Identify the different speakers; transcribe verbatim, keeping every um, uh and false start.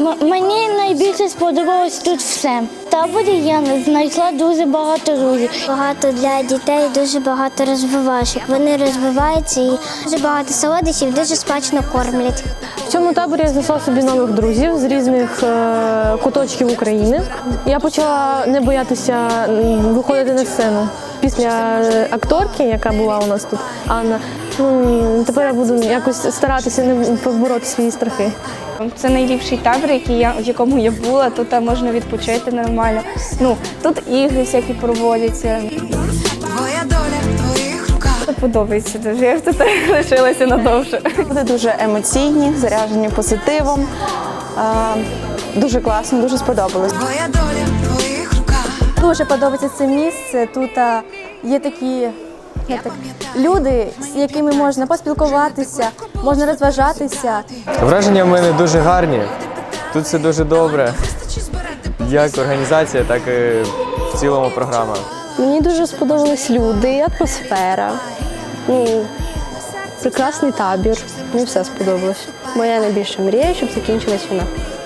Speaker 1: М- мені найбільше сподобалось тут все. В таборі я знайшла дуже багато друзів. Багато для дітей, дуже багато розвивашок. Вони розвиваються і дуже багато солодощів, дуже смачно кормлять.
Speaker 2: В цьому таборі я знайшла собі нових друзів з різних е, куточків України. Я почала не боятися виходити на сцену. Після акторки, яка була у нас тут, Анна, ну, тепер я буду якось старатися не побороти свої страхи.
Speaker 3: Це найліпший табір, який я, в якому я була. Тут можна відпочити нормально. Ну, тут ігри всякі проводяться.
Speaker 4: Твоя доля в твоїх руках.
Speaker 3: Подобається дуже. Я тут лишилася надовше.
Speaker 5: Вони дуже емоційні, заряджені позитивом. Дуже класно, дуже сподобалось.
Speaker 4: Твоя доля в твоїх руках.
Speaker 6: Дуже подобається це місце. Тут а, є такі як так, люди, з якими можна поспілкуватися, можна розважатися.
Speaker 7: Враження в мене дуже гарні. Тут все дуже добре. Як організація, так і в цілому програма.
Speaker 2: Мені дуже сподобались люди, атмосфера, ну, прекрасний табір. Мені все сподобалось. Моя найбільша мрія, щоб закінчилась війна.